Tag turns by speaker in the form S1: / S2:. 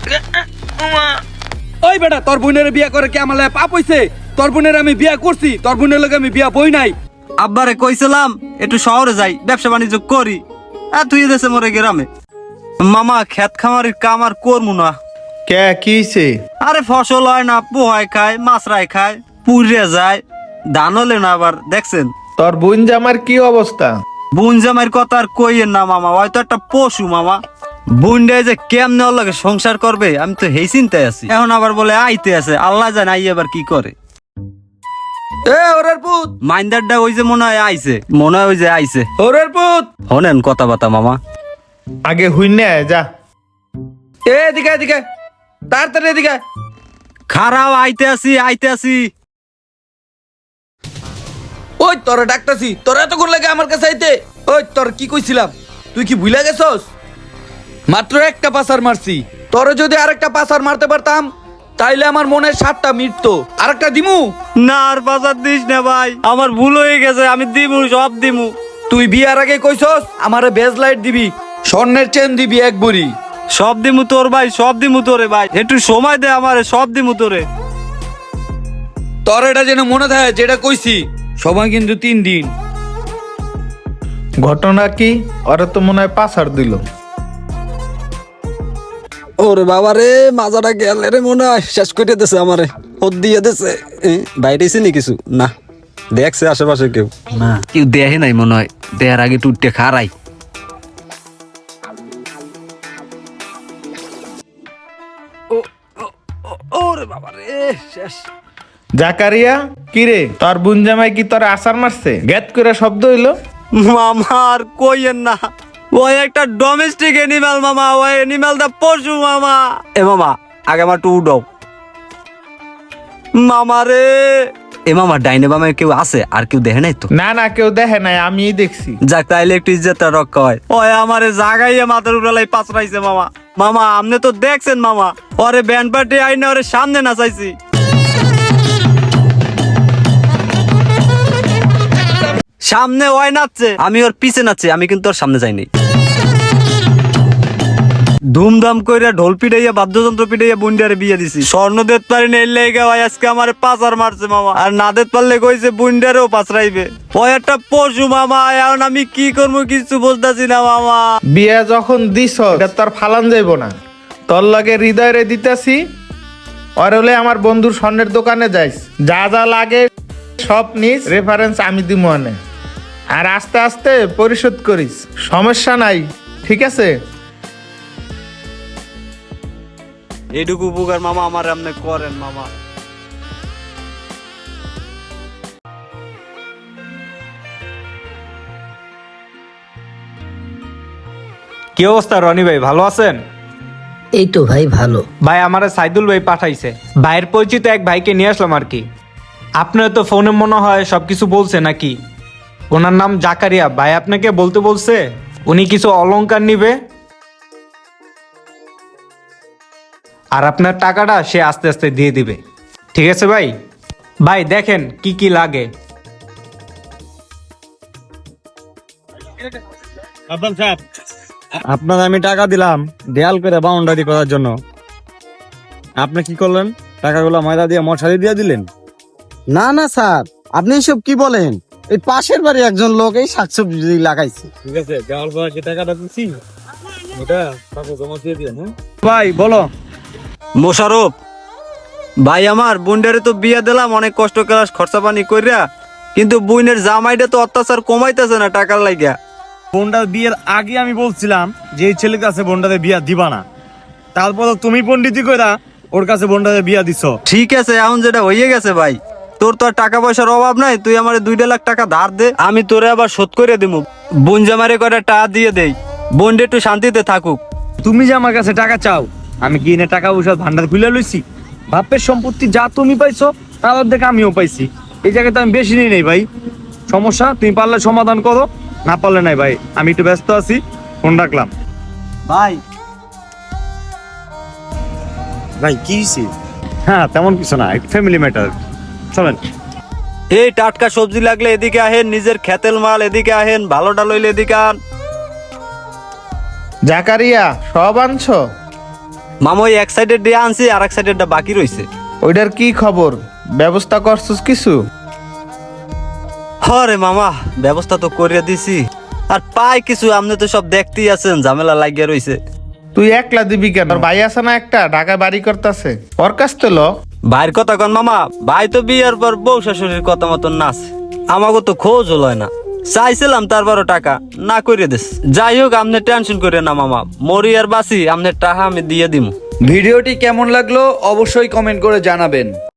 S1: ওই বেটা, তোর বোনের বিয়া করে কি আমার পাপ হইছে? তোর বোনের আমি বিয়া করছি, তোর বোনের লগে আমি বিয়া বই নাই।
S2: আব্বারে কইছিলাম একটু শহরে যাই, ব্যবসা বাণিজ্য করি, আর তুই দেশে মরে গ্রামে। মামা খেত খামারির কাম আর করবো না।
S3: কে কি হইছে?
S2: আরে ফসল হয় না, পোহায় খায়, মাছরাই খায়, পুড়ে যায়, ধান হলে না। আবার দেখছেন
S3: তোর বোন জামার কি অবস্থা?
S2: বুন জামাইয়ের কথা আর কইয়েন না মামা, হয়তো একটা পশু মামা। বুনডে যে কেমনে ওর লগে সংসার করবে, আমি তো হেই চিন্তায় আছি। এখন আবার বলে আইতে আছে, আল্লাহ জানে আই আবার কি করে।
S1: এ ওরের পুত,
S2: মাইন্দারটা ওই যে মনে হয় আইছে, মনে হয় ওই যে আইছে।
S1: ওরের পুত,
S2: হনেন কথা বাতা মামা।
S3: আগে হুইনে যা।
S1: এদিকে এদিকে, তাড়াতাড়ি এদিকে।
S2: খারাপ, আইতে আসি আইতে আসি।
S1: ওই তোরা ডাকতাছি, তোরা এতক্ষণ লাগে আমার কাছে আইতে। ওই তোর কি কইছিলাম, তুই কি ভুলে গেছস? মাত্র একটা পাসার মারছি, তোরে যদি আরেকটা পাসার মারতে পারতাম তাইলে আমার মনের 7টা মিটতো। আরেকটা দিমু?
S2: না আর বাজার দিস না ভাই, আমার ভুল হয়ে গেছে, আমি দিমু, সব দিমু।
S1: তুই বিয়ার আগে কইছস আমারে বেজ লাইট দিবি, স্বর্ণের চেন দিবি এক বড়ি।
S2: সব দিমু তোর ভাই, সব দিমু তোরে ভাই, একটু সময় দে আমারে, সব দিমু তোরে।
S1: তোর এটা যেন মনে থাকে যেটা কইছি, সময় কিন্তু 3 দিন।
S3: ঘটনা কি? ওরা তো মনে হয় পাসার দিল।
S4: ওরে বাবা রে, মাজাটা গেলে রে, মনে হয় শেষ করে দিতেছে আমারে, ওর দিয়ে দিতেছে। বাইরেছি নি কিছু না, দেখছে আশেপাশে কেউ
S2: না, কেউ দেখে নাই মনে হয়, দেয়ার আগে টুটতে খারাই।
S4: ওরে বাবা রে, শেষ।
S3: জাকারিয়া কি রে, তোর বোন জামাই কি তোর আসার মারছে? গ্যাত করে শব্দ হইলো।
S2: মামা আর কইয়েন না, ওই একটা ডোমেস্টিক এনিম্যাল মামা, ওই এনিম্যালটা পশু মামা। এ মামা আগে আমার টু উঠাও মামা রে। এ মামা ডাইনে বামে কেউ আছে? আর কেউ দেখে নাই তো?
S3: না না, কেউ দেখে নাই, আমিই দেখছি।
S2: যাক তাইলে একটু ইজ্জতটা রক্ষা হয়। ওই আমারে জাগাইয়া মাথার উপরালাই পাছরাইছে মামা। মামা আপনি তো দেখছেন মামা, ওরে ব্যান্ড পার্টি আইনে ওরে সামনে নাচাইছি। সামনে ওই নাচছে, আমি ওর পিছে নাচছি, আমি কিন্তু ওর সামনে যাইনি। ধুমধাম কইরা ঢোল পিটাইয়া, বাদ্যযন্ত্র পিটাইয়া বুন্ডিয়ারে বিয়ে দিছি। স্বর্ণ দেত পারি না, এলে ভাই আজকে আমারে পাচার মারছে মামা। আর না দেত পারলে কইছে বুন্ডিয়ারেও পাচরাইবে। ওই একটা পশু মামা, এখন আমি কি করবো কিছু বুঝতেছি না মামা।
S3: বিয়া যখন দিছ এটা তোর ফালান যাইব না, তোর লগে হৃদয়ে দিতাছি। আর হলে আমার বন্ধুর স্বর্ণের দোকানে যাইস, যা যা লাগে সব নিস, রেফারেন্স আমি দিমু আনে। আর আস্তে আস্তে পরিশোধ করিস, সমস্যা নাই, ঠিক আছে?
S2: এইটুকু উপকার মামা আমার আপনি করেন মামা।
S5: কি অবস্থা রনি ভাই, ভালো আছেন?
S6: এই তো ভাই ভালো।
S5: ভাই আমারে সাইদুল ভাই পাঠাইছে, ভাইয়ের পরিচিত এক ভাইকে নিয়ে আসলাম আর কি। আপনার তো ফোনে মনে হয় সবকিছু বলছে নাকি? ওনার নাম জাকারিয়া, ভাই আপনাকে বলতে বলছে উনি কিছু অলংকার নিবে, আর আপনার টাকাটা সে আস্তে আস্তে দিয়ে দিবে, ঠিক আছে ভাই? ভাই দেখেন কি কি লাগে।
S7: আপনার আমি টাকা দিলাম দেয়াল করে বাউন্ডারি করার জন্য, আপনি কি করলেন? টাকাগুলো ময়দা দিয়ে মশারি দিয়ে দিলেন।
S6: না না স্যার, আপনি এসব কি বলেন? এই পাশের বাড়ি একজন লোক এই শাকসবজি লাগাইছে।
S7: ঠিক আছে, দেওয়াল করার যে টাকাটা দিচ্ছি ওটা টাকা জমা দিয়ে দিয়ে। হ্যাঁ
S5: ভাই বলো।
S2: মোশারফ ভাই, আমার বুন্ডারে তো বিয়া দিলাম অনেক কষ্ট ক্লাস খরচা পানি কইরা, কিন্তু বুইনের জামাইটা তো অত্যাচার কমাইতেছে না টাকার লাগিয়া।
S7: বোনটার বিয়ের আগে আমি বলছিলাম যে এই ছেলের কাছে বোনটাতে বিয়া দিবা না, তারপর তুমি পন্ডিতি কইরা ওর কাছে বোনটাতে বিয়া দিছ।
S2: ঠিক আছে, এখন যেটা হয়ে গেছে ভাই, তোর তো আর টাকা পয়সার অভাব নাই, তুই আমার 2 লাখ টাকা ধার দে, আমি তোরে আবার শোধ করে দিবো। বোন জামারে কয়টা টাকা দিয়ে দেই, বোনটা একটু শান্তিতে থাকুক।
S5: তুমি যে আমার কাছে টাকা চাও, আমি কি এনে টাকা পয়সা ভান্ডার খুলে লইছি? বাপের সম্পত্তি যা তুমি পাইছো তার অর্ধেক আমিও পাইছি, এই জায়গাতে আমি বেশি নিই নাই ভাই। সমস্যা তুমি পারলে সমাধান করো, না পারলে নাই ভাই, আমি একটু ব্যস্ত আছি, ফোন রাখলাম।
S2: ভাই
S7: ভাই কি হইছে?
S5: হ্যাঁ তেমন কিছু না, একটু ফ্যামিলি ম্যাটার, চলেন।
S2: এই টাটকা সবজি লাগলে এদিকে আহেন, নিজের খেতেল মাল এদিকে আহেন, ভালোটা লইলে এদিকে আন।
S3: জাকারিয়া সব আনছো?
S2: মামা ওই এক সাইডের দিয়ে আনছি আর এক সাইডেরটা বাকি রইছে।
S3: ওইটার কি খবর, ব্যবস্থা করছিস কিছু?
S2: হরে মামা ব্যবস্থা তো করিয়া দিছি, আর পাই কিছু, আপনি তো সব দেখতেই আছেন ঝামেলা লাগিয়া রইছে।
S3: তুই একলা দিবি কেন? তোর ভাই আছে না একটা, ঢাকায় বাড়ি করতেছে, ওর কাছ তো ল।
S2: ভাইয়ের কথা কন মামা, ভাই তো বিয়ের পর বউ শাশুড়ির কথা মতন নাচ, আমাকে তো খোঁজ হলো না। চাইছিলাম তারপরও টাকা না করে দিস। যাই হোক আপনি টেনশন করে না মামা, মরি আর বাসি আপনার টাকা আমি দিয়ে দিমু।
S1: ভিডিওটি কেমন লাগলো অবশ্যই কমেন্ট করে জানাবেন।